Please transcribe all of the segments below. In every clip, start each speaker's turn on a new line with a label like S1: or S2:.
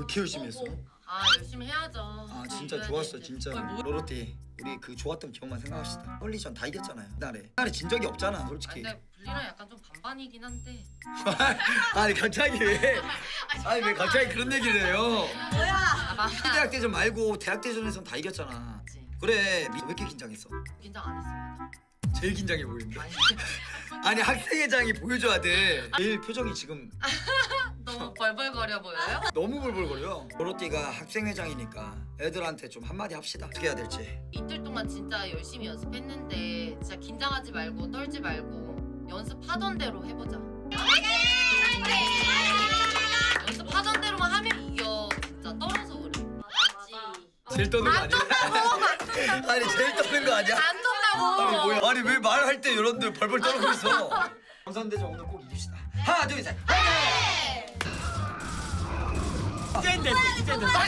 S1: 그렇게 열심히 했어?
S2: 아 열심히 해야죠.
S1: 아 진짜 좋았어 진짜. 로로티 우리 그 좋았던 기억만 생각합시다. 헐리전 다 이겼잖아요. 그날에 진 적이 없잖아 솔직히.
S2: 근데 분리랑 약간 좀 반반이긴 한데.
S1: 아니 갑자기 왜? 아니 왜 갑자기 그런 얘기를 해요?
S2: 뭐야?
S1: 대학 대전 말고 대학 대전에선 다 이겼잖아. 그래 왜 이렇게 긴장했어?
S2: 긴장 안 했습니다.
S1: 제일 긴장해 보이는데. 아니 학생회장이 보여줘야 돼. 제일 표정이 지금
S2: 너무 벌벌거려 보여요?
S1: 너무 벌벌거려. 로로티가 학생회장이니까 애들한테 좀 한마디 합시다. 어떻게 해야 될지.
S2: 이틀 동안 진짜 열심히 연습했는데 진짜 긴장하지 말고 떨지 말고 연습하던 대로 해보자. 연습하던 대로만 하면 이겨. 진짜 떨어서 그래.
S1: 제일 떠는 거 아니야? 아니 제일 떠는 거 아니야?
S2: 안 떤다고.
S1: 아니 뭐야? 아니 왜 말할 때 여러분들 벌벌 떨고 있어? 경산대전 오늘 꼭 이깁시다. 하나 둘 셋.
S3: 이젠 됐어 이젠 됐어.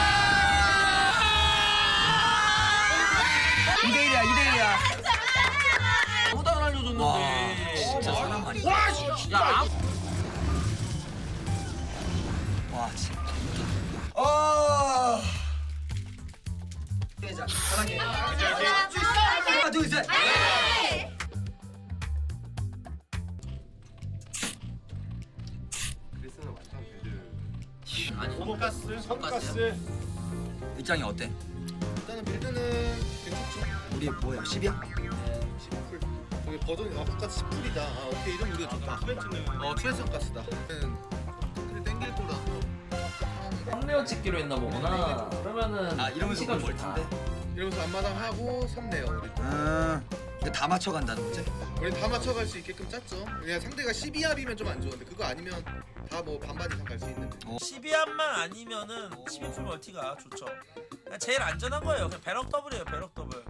S1: 2대1이야 2대1이야.
S3: 아무도 안 알려줬는데.
S1: 진짜 사람 아니야.
S3: 와 진짜.
S1: 와 진짜. 아. 대장 사랑해. 하나 둘 셋.
S4: 그리스는 완전 배드.
S3: 아니
S4: 손가스.
S3: 손가스.
S1: 입장이 어때?
S4: 일단은 빌드는 괜찮죠.
S1: 우리 뭐야 10이야?
S4: 10풀. 여기 버전이 아까까지 10풀이다. 아 오케이 이름 우리가 좋다. 투에스 가스다. 그래 땡길 거라서.
S5: 썸네어 찍기로 했나 보구나. 그러면은
S1: 아 이러면서
S5: 시간
S1: 뭘
S5: 좋다.
S1: 텐데?
S4: 이러면서 앞마당 하고 3내요 우리.
S1: 근데 다 맞춰간다는 거지?
S4: 우리 다 맞춰갈 수 있게끔 짰죠. 그냥 상대가 12합이면 좀 안 좋은데 그거 아니면 다 뭐 반반 이상 갈 수 있는데.
S6: 12합만 아니면은 12풀 멀티가 좋죠. 그냥 제일 안전한 거예요. 그냥 배럭 더블이에요. 배럭 더블.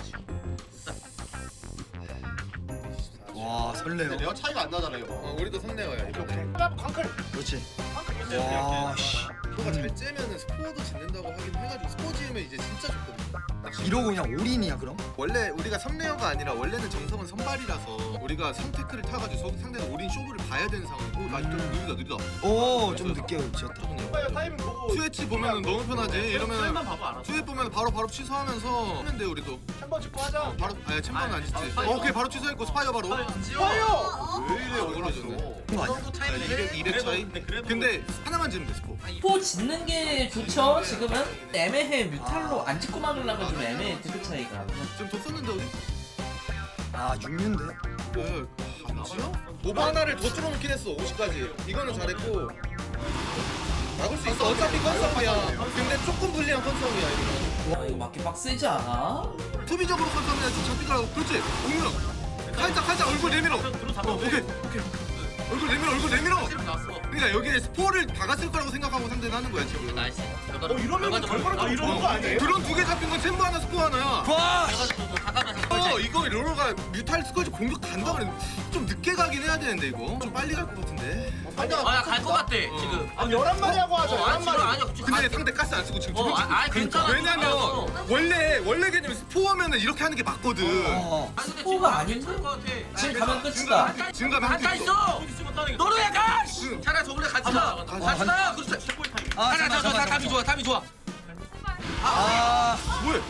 S1: 와 설레요.
S4: 내가 차이가 안 나잖아요. 우리도 3내어야 이거.
S1: 그렇지. 와 씨.
S4: 스포가 잘 째면은 스포도 짓는다고 하긴 해가지고 스포 지으면 이제 진짜 좋거든요.
S1: 이러고 그냥 올인이야 그럼?
S4: 원래 우리가 3레어가 아니라 원래는 정석은 선발이라서 우리가 3테크를 타가지고 상대가 올인 쇼부를 봐야 되는 상황이고 나 좀 느리다.
S1: 오 좀 늦게 지었다.
S4: 스웨치 보면은 너무 편하지. 이러면 스웨치 보면 바로 취소하면서 하면 돼 우리도. 챔버 짓고 하자. 바로 아니 챔버는 안 짓지. 오케이 바로 취소했고 스파이어 바로. 스파이어. 왜 이래 어그러졌네.
S1: 그거 아니야?
S4: 200 차이. 근데 하나만 지면 돼 스포.
S5: 포 짓는 게 좋죠. 지금은 애매해. 뮤탈로 안 짓고 막으려면 좀 애매해. 득표 차이가.
S4: 지금 더 썼는데 어디?
S1: 아 6년대?
S4: 안 지어? 오버 하나를 더 줄여놓긴 했어 50까지. 이거는 잘했고 막을 수 있어. 어차피 컨싸움이야. 근데 조금 불리한 컨싸움이야 이거.
S5: 와 이거 맞기 빡세지 않아?
S4: 투비적으로 컨싸움이야. 좀 잡히더라고. 그렇지. 옥무영 살짝 얼굴 내밀어. 오케이 얼굴 내밀어. 그러니까 여기에 스포를 박았을 거라고 생각하고 상대는 하는 거야 지금.
S2: 나이스.
S4: 이러면 결과가 이러는 거 아니에요? 드론 2개 잡힌 건 챔버 하나 스포 하나야.
S1: 와!
S4: 이거 로로가 뮤탈 스쿼지 공격 간다 그래. 좀 늦게 가긴 해야 되는데 이거. 좀 빨리 갈 것 같은데.
S6: 갈것 같대 지금.
S4: 11마리 하고 하자. 11마리.
S6: 아니요.
S4: 근데 상대 가스 안 쓰고 지금
S6: 괜찮아.
S4: 왜냐면 원래 개념이 스포하면은 이렇게 하는 게 맞거든.
S5: 스포가 아닌데? 지금 가면 끝이다.
S4: 지금 가면
S6: 다
S4: 할수 있어.
S6: 있어. 너로야 가. 차라리 저번에 같이 가. 같이 가. 그렇지. 답이 좋아. 답이 좋아.
S1: 아,
S4: 뭐해?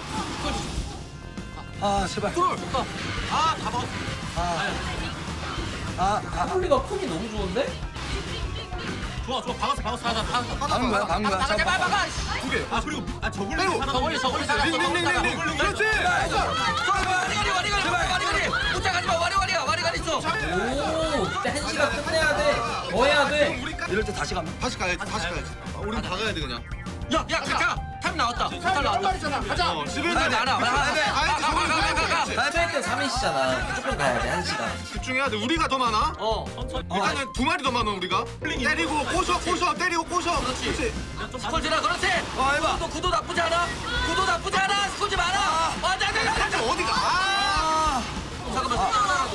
S1: 아 제발.
S6: 다 먹었어.
S5: 폴리가 폼이 너무 좋은데?
S6: 좋아. 박았어. 하자.
S1: 막은 거야 막은 거야.
S6: 제발
S1: 잠깐만.
S6: 박아.
S4: 그리고
S6: 저걸리
S4: 링링링링링. 그렇지.
S6: 와리가리. 쫓아가지 마. 와리가리 있어.
S5: 오, 그때 한시가 끝내야 돼. 더 해야 돼.
S1: 이럴 때 다시 가면?
S4: 다시 가야지. 우린 다 가야 돼 그냥.
S6: 야, 가자. 타임 나왔다. 타임 나왔다.
S4: 가자. 11대
S6: 안 와.
S5: 뺄때 3인시잖아. 무조건 가야 돼, 한시가.
S4: 집중해야 돼. 우리가 더 많아. 일단은 2마리 더 많아 우리가. 때리고 꼬셔 때리고 꼬셔. 그렇지.
S6: 스콜지라 그렇지.
S1: 해봐.
S6: 구도 나쁘지 않아. 스콜지 많아.
S4: 어디가?
S6: 잠깐만.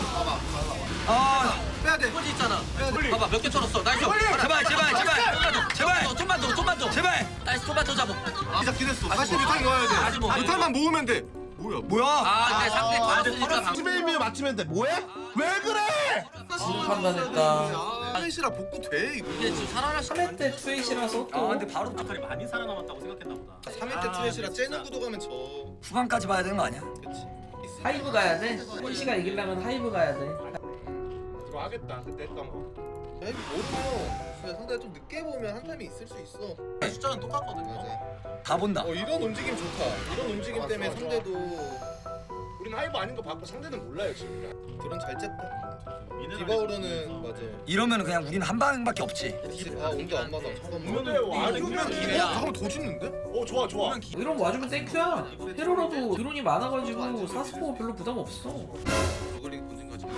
S4: 빼야 돼.
S6: 스콜지 있잖아. 봐봐 몇 개 털었어. 나이스.
S1: 제발.
S6: 좀만 더.
S1: 제발.
S6: 나이스. 좀만 더 잡아.
S4: 시작긴 했어. 다시 뮤탈 넣어야 돼.
S6: 아직 뭐.
S4: 뮤탈만 모으면 돼. 뭐야?
S1: 뭐야?
S6: 근데 상대 다 쓰니까
S4: 스베이미에 맞추면 돼. 뭐해? 왜 그래?
S5: 판단했다.
S4: 트레이시라 복구 돼 이거.
S3: 이게 지금 살아날
S5: 3회 때 투에이시라서
S1: 아
S5: 또
S1: 근데 바로
S3: 아칼이 많이 살아남았다고 생각했나 보다.
S4: 3회 때 트레이시라 째는 구도 가면 저.
S1: 후반까지 봐야 되는 거 아니야?
S4: 그치.
S5: 하이브 가야 돼. 폴시가 이기려면 하이브 가야 돼.
S4: 들어가겠다 그때 했던 거. 야 이거 모르면 상대가 좀 늦게 보면 한 타임이 있을 수 있어.
S3: 숫자는 똑같거든요.
S4: 맞아.
S1: 다 본다.
S4: 이런 움직임 좋다. 이런 움직임 때문에 상대도 우리는 하이브 아닌 거 봤고 상대는 몰라요 지금. 드론 잘 쨌다. 디바우르는 맞아.
S1: 이러면 그냥 우리는 한 방밖에 없지.
S4: 온도 안 맞아. 잠깐만.
S3: 근데 와주면 기회야.
S4: 잠깐만 더 짓는데?
S3: 좋아.
S5: 이런 거 와주면 땡큐야. 헤로라도 드론이 많아가지고 사스포 별로 부담 없어.
S4: 저글링 본진 가지.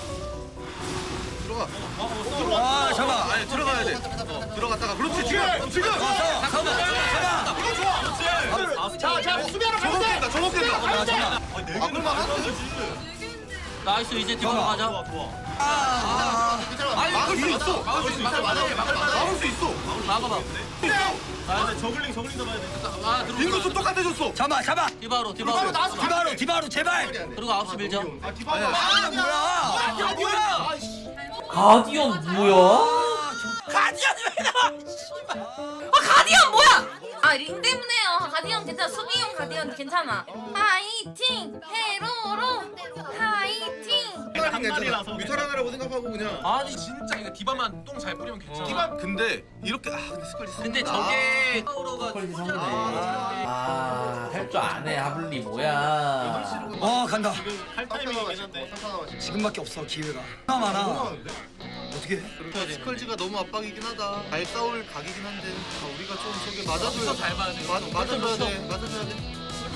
S4: 들어가.
S1: 아 잠깐.
S4: 아니 들어가야 돼. 들어갔다가 그렇지 지금.
S3: 자, 수비하러
S4: 저거 깬다. 저거 깬다.
S1: 아 잠깐.
S4: 막을 막았어.
S3: 나이스 이제 뒤로 가자.
S4: 막을 수 있어. 막을 수 있어. 막을 수 있어.
S3: 막아봐. 아, 근데 저글링 잡아야 돼.
S4: 빙고수 똑같아졌어.
S1: 잡아.
S3: 디바로.
S1: 디바로 제발.
S3: 그리고 9시 밀자.
S1: 아 뭐야?
S5: 가디언 뭐야?
S2: 가디언이 왜 나와? 가디언 뭐야? 링 때문에요. 가디언 괜찮아. 수비용 가디언 괜찮아. 화이팅! 헤로로 화이팅!
S4: 괜찮아. 뮤탈 하나라고 생각하고 그냥.
S3: 아니 진짜 이거 디바만 똥 잘 뿌리면 괜찮아.
S4: 디바 근데 이렇게 근데 스컬지.
S3: 근데 저게
S5: 퀄리티 상대. 할 줄 아네 하블리 뭐야?
S1: 간다.
S3: 할 타이밍이긴 한데.
S1: 지금밖에 없어 기회가. 하나 많아. 어떻게 해?
S4: 스컬지가 너무 압박이긴 하다. 잘 싸울 각이긴 한데 우리가 좀 저기 맞아줘야
S3: 잘 봐야 돼.
S4: 맞아줘야 돼. 맞아줘야 돼.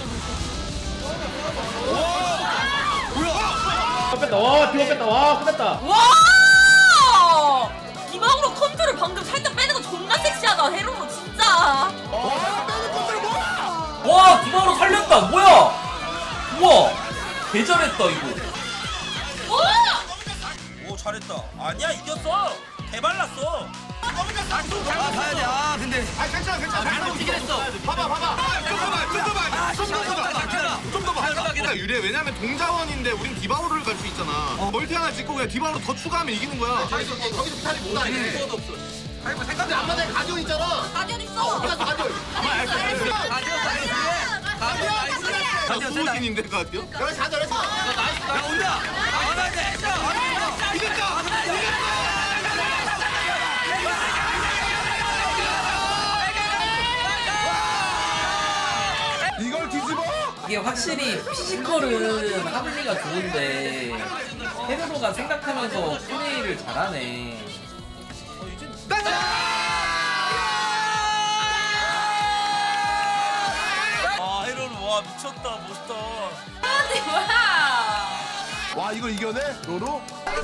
S2: 와! 디바우로 컨트롤 방금 살짝 빼는 거 존나 섹시하다. 헤로로 진짜.
S5: 와 디바로 살렸다. 뭐야? 우와 개잘했다 이거.
S6: 오 잘했다. 아니야 이겼어. 개발랐어.
S1: 가야 돼. 근데.
S4: 괜찮아.
S3: 잘 움직이긴 했어.
S4: 봐봐. 좀 더 봐. 그러니까 유리해. 왜냐면 동자원인데 우린 디바우르를 갈 수 있잖아. 멀티 하나 찍고 그냥 디바우르 더 추가하면 이기는 거야.
S3: 거기서 비탈이 못 하네. 수도 없어.
S4: 생각이 안 맞아. 가디언 있잖아.
S2: 가디언 있어.
S4: 가디언.
S1: 가디언 세다.
S4: 소신인데 가디언?
S3: 나이스.
S1: 야 온다.
S4: 이겼다. 이걸 뒤집어?
S5: 이게 확실히 피지컬은 하블리가 좋은데 헤르노가 생각하면서 플레이를 잘하네.
S6: 아 헤로는 와 미쳤다 멋있다.
S2: 아니 뭐야?
S4: 와 이걸 이겨내? 로로?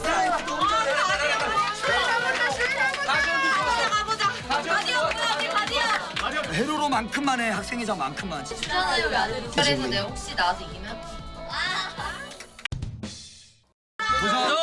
S1: 헤로로만큼만 해. 학생회장만큼만.
S2: 진짜요 왜안 해? 그래서 내가 혹시 나와서 이기면?
S1: 도전.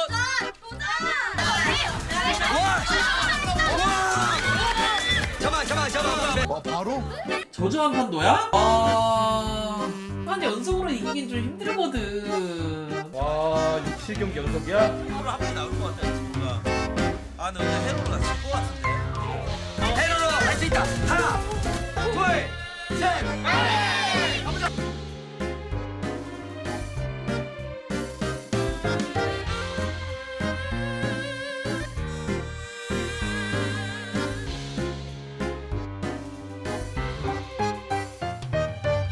S1: 잡아.
S4: 바로?
S5: 저주 한 판도야? 아니 연속으로 이기긴 좀 힘들거든.
S3: 와, 6, 7경기 연속이야?
S6: 헤로로 한번 나올 것 같아 친구가. 아 근데 헤로로가 질것 같은데.
S1: 헤로로 할 수 있다. 하나, 둘, 셋.